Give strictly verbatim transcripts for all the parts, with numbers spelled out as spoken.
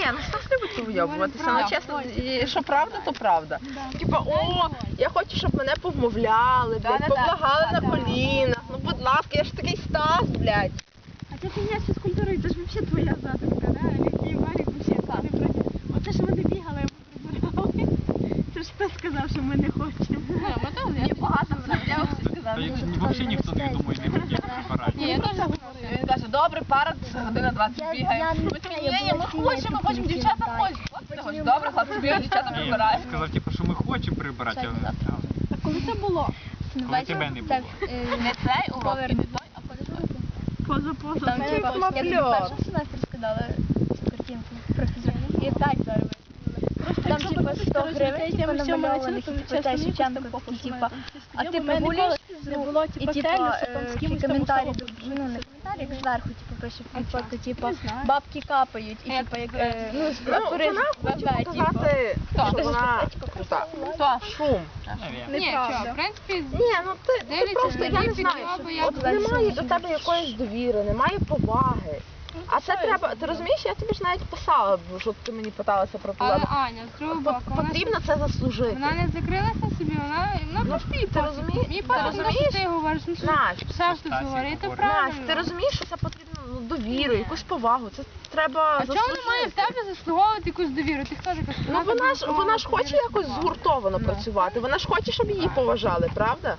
ну хто ж любить вийобуватися, ну чесно, і що правда, то правда. Типа, о, я хочу, щоб мене повмовляли, блядь, поблагали на колінах, ну будь ласка, я ж такий Стас, блядь. А ця фігня з фізкультурою, це ж взагалі твоя задумка, да? Олег і Валік взагалі не проти. Оце ж вони бігали, ми прибирали. Це ж хто сказав, що ми не хочемо. Ми теж, я багато я Взагалі ніхто не думає, не хотів препарати. Ні, я теж він каже, добре, пара година двадцять бігає. Ми такі, ні, ні, ми хочемо, ми хочемо, дівчата хочуть. Хлопці не хочуть, добре, хлопці бігають, дівчата Ні, прибирають. сказав, типу, що ми хочемо прибирати, але А коли це було? коли тебе не було. Не цей урок, і не той, а Поза-поза. Там Це типа, мапльот. як в першому семестрі скидали картинку про фізику. І так зараз. Там типа сто гривень, типа намальованих, і типа те Шевченко, і типа, а ти прогулюєш не було, і типа, типа целью, що там з ті кимось там коментарі, особо ну не коментарі, як зверху, типу, пише фотку, типа, Не знаю. бабки капають, і типа, як, е, ну, Ну, турист вона хоче ВВ, типу. показати, що Хто? вона крута. Хто? Шум. Навірно. Ні, що, в принципі, Ні, ну ти, ти Дивляться просто, на я не її знаю, підйоби, як от вона немає що до тебе якоїсь довіри, немає поваги. А це треба, ти розумієш, я тобі ж навіть писала, що ти мені питалася про Але проблеми. Аня, з другого боку, вона, Потрібно це заслужити. вона не закрилася собі, вона, вона Ну, просто їй ти розумієш, Мені ти пофіг, що розумієш? ти говориш, ну що Настя, все ж тут Стасік говорити, говорить. правильно. Настя, ти розумієш, що це потрібно ну, довіру, якусь повагу, це треба А чому вона має в заслужити. тебе заслуговувати якусь довіру? Ти хто така? Ну вона ж, вона ж хоче якось згуртовано працювати, вона ж хоче, щоб її поважали, правда?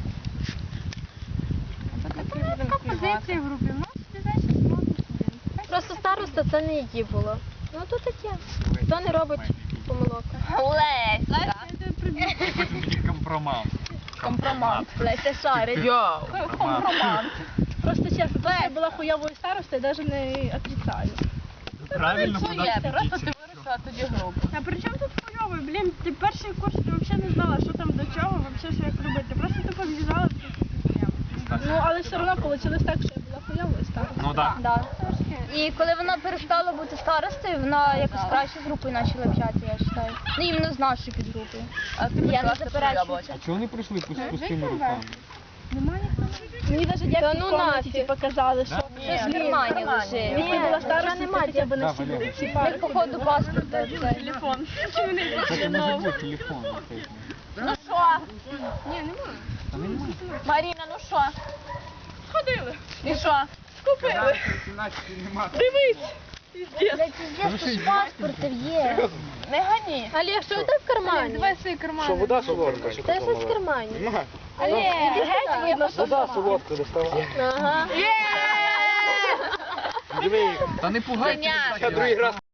Така позиція в групі, ну собі значить смотрить. Просто староста це не її було. Ну то таке. Хто не робить помилок? Леся. Потім мені компромат. Компромат. Леся шарить. Йоу! Компромат. Просто чесно, то, що я була хуйовою старостою, навіть не отрицаю. Правильно Що куди є? ти Просто діться. ти вирішила тоді групу. А при чому тут хуйовий? Блін, ти перший курс, ти взагалі не знала, що там до чого, взагалі, що як робити. Просто ти побіжала. Ну, але все одно вийшло так, що я була хуйовою старостою. Ну так. Да. І коли вона перестала бути старостою, вона якось краще з групою почала общатися, я вважаю. Ну, іменно з нашою підгрупою. А ти Я не почала заперечую. А чого вони прийшли пус- пустими руками? Мені навіть дядьки Та ну в комнаті нафіг. типу, казали, що... Да? Щось в кармані лежить. Якби була старостою, нема, ти хоча б не Да, сиділа. Валерій. Типа, Як походу паспорта. Це. телефон. Це може бути телефон. Ну що? Та немає. Маріна, ну що? Сходили. І що? Блядь, пиздец, тут ж паспортів є. Не гані. Олег, що у тебе в кармані? Давай свої кармани. Що, вода солодка? Це щось в кармані. Нема. Олег, геть видно, що Вода солодка доставай. Ага. Диви, Та не пугайте. Женя. я другий раз